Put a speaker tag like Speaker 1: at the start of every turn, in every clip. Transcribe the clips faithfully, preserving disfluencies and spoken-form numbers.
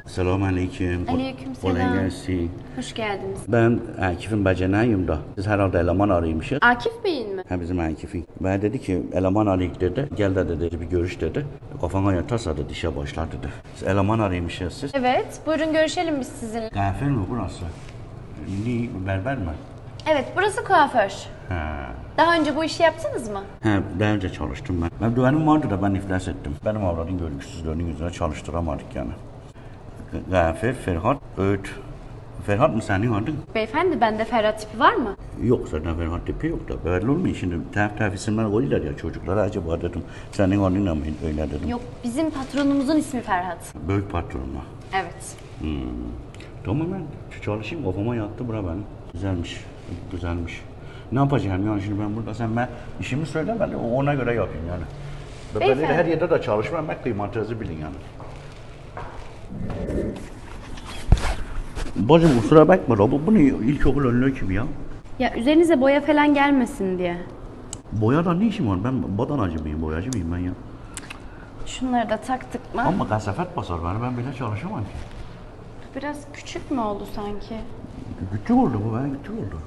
Speaker 1: Selamünaleyküm.
Speaker 2: Aleykümselam.
Speaker 1: Kolay gelsin.
Speaker 2: Hoş geldiniz.
Speaker 1: Ben Akif'in bacanayım da. Siz herhalde eleman araymışsınız.
Speaker 2: Akif Bey'in mi?
Speaker 1: Ha bizim Akif'in. Ben dedi ki eleman arayık dedi. Gel de dedi bir görüş dedi. Kafana yatarsa dedi işe başlar dedi. Siz eleman araymışsınız siz.
Speaker 2: Evet, buyurun görüşelim biz sizinle.
Speaker 1: Gafir mi burası? Ni berber mi?
Speaker 2: Evet, burası kuaför.
Speaker 1: Ha.
Speaker 2: Daha önce bu işi yaptınız mı?
Speaker 1: Ha, daha önce çalıştım ben. Ben düvenim vardı da ben iflas ettim. Benim avradın görgüsüzlüğünün yüzüne çalıştıramadık yani. Gafir, Ferhat, Öğüt. Ferhat mı senin adın?
Speaker 2: Beyefendi, bende Ferhat tipi var mı?
Speaker 1: Yok zaten Ferhat tipi yok da. Belli olmuyor şimdi tef tef isimler koyuyorlar ya çocuklara acaba dedim. Senin adınla mı öyle dedim.
Speaker 2: Yok, bizim patronumuzun ismi Ferhat.
Speaker 1: Büyük patronla.
Speaker 2: Evet.
Speaker 1: Hmm. Tamam ben çalışayım kafama yattı bura benim. Güzelmiş, güzelmiş. Ne yapacağım yani şimdi ben burada sen ben işimi söyle ben de ona göre yapayım yani. Ben böyle her yerde de çalışmam ben kıymatınızı bilin yani. Bacım kusura bakma bu, bu ne ilkokul önlüğü gibi ya?
Speaker 2: Ya üzerinize boya falan gelmesin diye.
Speaker 1: Boyada ne işim var? Ben badanacı mıyım, boyacı mıyım ben ya?
Speaker 2: Şunları da taktık mı?
Speaker 1: Ama kasafet basar beni, ben bile çalışamam ki.
Speaker 2: Biraz küçük mü oldu sanki?
Speaker 1: Küçük oldu bu, ben küçük oldu.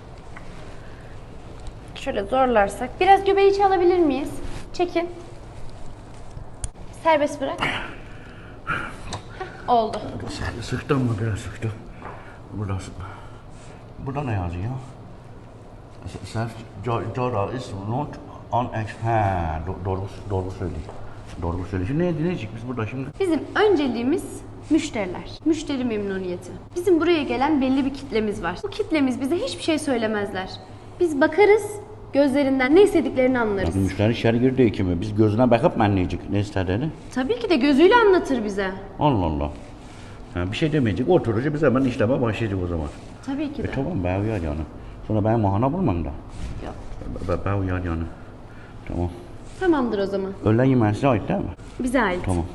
Speaker 2: Şöyle zorlarsak. Biraz göbeği çalabilir miyiz? Çekin. Serbest bırak. Heh, oldu.
Speaker 1: Sıktım mı biraz sıktım. Burada, burada ne yazıyor? Self Jara is not on ha, doğru doğru söylüyor. Doğru söylüyor. Şimdi ne dinleyecek biz burada şimdi?
Speaker 2: Bizim önceliğimiz müşteriler. Müşteri memnuniyeti. Bizim buraya gelen belli bir kitlemiz var. Bu kitlemiz bize hiçbir şey söylemezler. Biz bakarız, gözlerinden ne istediklerini anlarız.
Speaker 1: Yani müşteri içeri girdi kimi. Biz gözüne bakıp mı anlayacak ne istediğini?
Speaker 2: Tabii ki de gözüyle anlatır bize.
Speaker 1: Allah Allah. Ha, bir şey demeyecek, oturacak biz hemen işleme başlayacak o zaman.
Speaker 2: Tabii ki de.
Speaker 1: E tamam ben uyar yani. Sonra ben mahana bulmam da.
Speaker 2: Yok.
Speaker 1: Ben, ben uyar yani. Tamam.
Speaker 2: Tamamdır o zaman.
Speaker 1: Öğlen yemeği size ait değil mi?
Speaker 2: Bize ait.
Speaker 1: Tamam.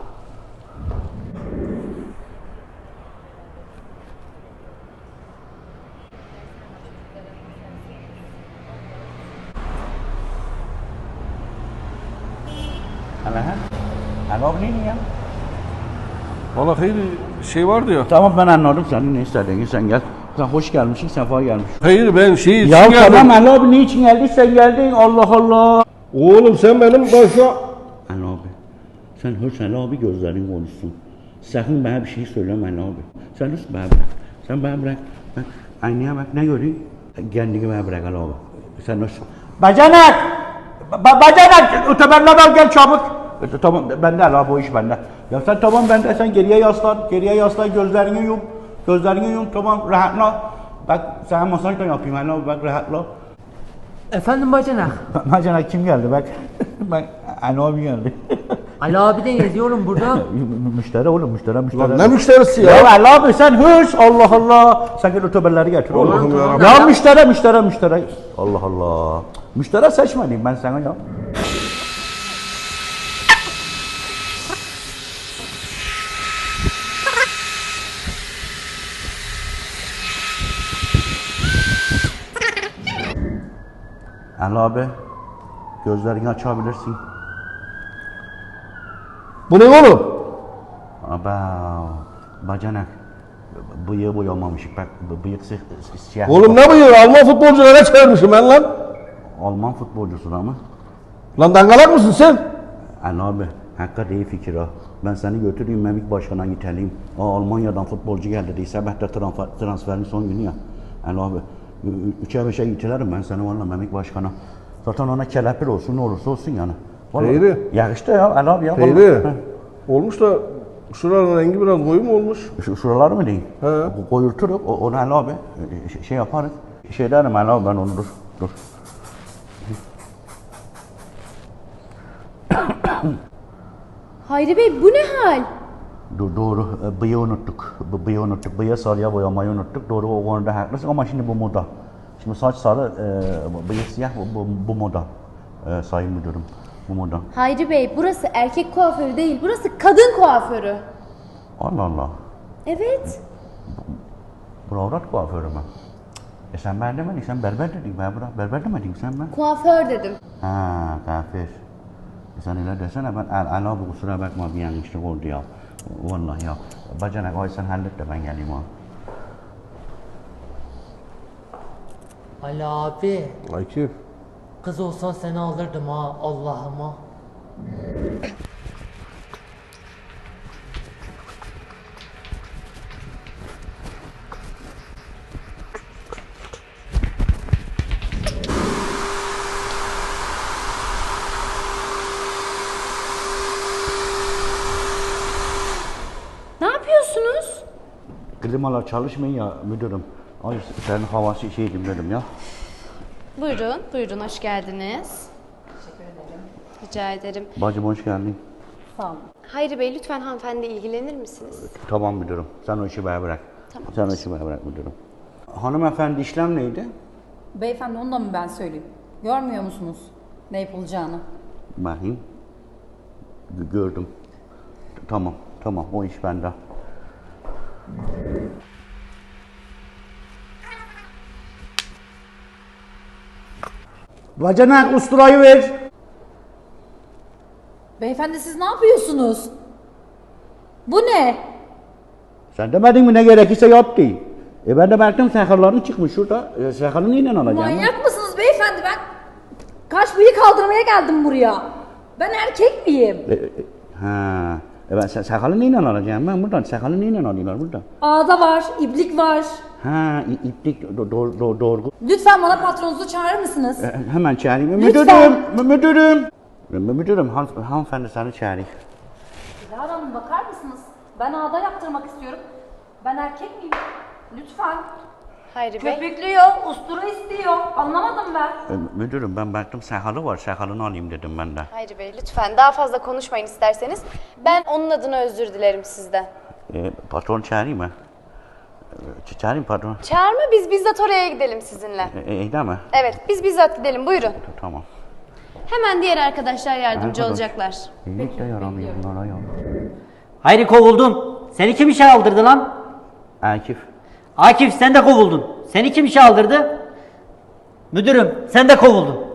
Speaker 1: Hala ha? Hala bu ne ya?
Speaker 3: Valla hayır şey vardı ya.
Speaker 1: Tamam ben anladım senin ne istediğini sen gel. Sen hoş gelmişsin, sefa gelmişsin.
Speaker 3: Hayır ben şey için
Speaker 1: Ya
Speaker 3: geldim.
Speaker 1: tamam Ali abi niçin geldin sen geldin Allah Allah.
Speaker 3: Oğlum sen benim başa...
Speaker 1: Ali abi sen hoş Ali abi gözlerin konuşsun. Sakın bana bir şey söyleme Ali abi. Sen nasıl bana bırak. Sen bana bırak. Ben aynaya bak ne göreyim. Kendini bana bırak Ali abi. Sen nasıl? Bacanak! Ba bacanak! Öteberler al gel çabuk. E, tamam bende Ali abi o iş bende. Ya sen tamam bende sen geriye yaslan. Geriye yaslan gözlerini yum. Gözlerini yum tamam rahatla. Bak sana masaj da yapayım Ali abi bak rahatla.
Speaker 4: Efendim bacanak.
Speaker 1: Bacanak kim geldi bak. Bak Ali abi geldi.
Speaker 4: Ali abi de yazıyorum burada.
Speaker 1: Müşteri oğlum müşteri müşteri.
Speaker 3: Lan ne müşterisi
Speaker 1: Ya
Speaker 3: ya?
Speaker 1: Ali abi sen hırs Allah Allah. Sen gel öteberleri getir oğlum.
Speaker 3: Allah'ım yarabbim.
Speaker 1: Ya müşteri müşteri müşteri. Allah Allah. Müşteri seçmedim ben sana ya. Ali abi gözlerini açabilirsin.
Speaker 3: Bu ne oğlum?
Speaker 1: Aba bacanak bıyığı boyamamışık bak bıyık siyah.
Speaker 3: Oğlum ne bıyığı? Alman futbolculara çevirmişim ben lan.
Speaker 1: Alman futbolcusun ama.
Speaker 3: Lan dangalak mısın sen?
Speaker 1: Ali abi hakikaten iyi fikir ha. Ben seni götüreyim Memik Başkan'a iteleyim. Aa, Almanya'dan futbolcu geldi diye sabah da transfer, transferin son günü ya. Ali abi üçe beşe itilerim ben seni valla Memik Başkan'a. Zaten ona kelepir olsun ne olursa olsun yani.
Speaker 3: Peyri.
Speaker 1: Ya işte ya Ali abi ya.
Speaker 3: Peyri. Olmuş da şuranın rengi biraz koyu mu olmuş?
Speaker 1: Şu, şuralar mı diyeyim?
Speaker 3: He.
Speaker 1: Koyulturuk, o- onu Ali abi şey, şey yaparız. Şey derim Ali abi ben onu dur. Dur.
Speaker 2: Hayri Bey bu ne hal?
Speaker 1: Dur doğru, e, bıyığı unuttuk. B- Bıyığı unuttuk. Bıyığı sarıya boyamayı unuttuk. Doğru o konuda haklısın ama şimdi bu moda. Şimdi saç sarı, e, bıyık siyah bu, bu, bu moda. E, sayın müdürüm, bu moda.
Speaker 2: Hayri Bey burası erkek kuaförü değil, burası kadın kuaförü.
Speaker 1: Allah Allah.
Speaker 2: Evet.
Speaker 1: Bu avrat kuaförü mü? E sen ben demedin, sen berber dedin. Ben bura berber demedin sen ben.
Speaker 2: Kuaför dedim.
Speaker 1: Ha, kafir. Sen öyle desene ben al, al abi kusura bakma bir yanlışlık oldu ya. Vallahi ya. Bacanak ay sen hallet de ben geleyim ha.
Speaker 4: Ali abi.
Speaker 3: Akif.
Speaker 4: Kız olsan seni alırdım ha Allah'ıma.
Speaker 2: Ne yapıyorsunuz?
Speaker 1: Klimalar çalışmıyor ya müdürüm. Ay senin havası şeydim dedim ya.
Speaker 2: Buyurun, buyurun hoş geldiniz. Teşekkür ederim. Rica ederim.
Speaker 1: Bacım hoş geldin.
Speaker 5: Sağ olun.
Speaker 2: Hayri Bey lütfen hanımefendiyle ilgilenir misiniz?
Speaker 1: Tamam müdürüm. Sen o işi bana bırak.
Speaker 2: Tamam.
Speaker 1: Sen o işi bana bırak müdürüm. Hanımefendi işlem neydi?
Speaker 5: Beyefendi onu da mı ben söyleyeyim? Görmüyor musunuz ne yapılacağını?
Speaker 1: Bakayım. G- Gördüm. Tamam, tamam. O iş bende. Bacanak usturayı ver.
Speaker 5: Beyefendi siz ne yapıyorsunuz? Bu ne?
Speaker 1: Sen demedin mi ne gerekirse yap diye. E ben de baktım sakalların çıkmış şurada. E, sakalını neyle alacağım?
Speaker 5: Manyak mısınız beyefendi? Ben kaş bıyık kaldırmaya geldim buraya. Ben erkek miyim?
Speaker 1: E, e, ha. E ben sa- sakalı neyle alacağım ben buradan? Sakalı neyle alıyorlar burada?
Speaker 5: Ağda var, iblik var.
Speaker 1: Ha, i- iplik do- do- do- doğru.
Speaker 5: Lütfen bana patronunuzu çağırır mısınız?
Speaker 1: E, hemen çağırayım.
Speaker 5: Lütfen.
Speaker 1: Müdürüm, mü- müdürüm. Mü- Müdürüm, han hanımefendi seni çağırayım.
Speaker 5: Dilara Hanım bakar mısınız? Ben ağda yaptırmak istiyorum. Ben erkek miyim? Lütfen.
Speaker 2: Hayri Bey.
Speaker 5: Köpüklüyor, ustura istiyor. Anlamadım ben.
Speaker 1: E, müdürüm ben baktım sakalı var, sakalını alayım dedim ben de.
Speaker 2: Hayri Bey lütfen daha fazla konuşmayın isterseniz. Ben onun adına özür dilerim sizden.
Speaker 1: E, patron çağırayım mı? E, ç- çağırayım patron.
Speaker 2: Çağırma biz bizzat oraya gidelim sizinle.
Speaker 1: E, e, iyi değil mi?
Speaker 2: Evet biz bizzat gidelim buyurun.
Speaker 1: Tamam.
Speaker 2: Hemen diğer arkadaşlar yardımcı
Speaker 1: Arkadaş.
Speaker 2: olacaklar.
Speaker 1: İyilik de yaramıyor bunlara ya.
Speaker 6: Hayri kovuldun. Seni kim işe aldırdı lan?
Speaker 1: Akif.
Speaker 6: Akif sen de kovuldun. Seni kim işe aldırdı? Müdürüm sen de kovuldun.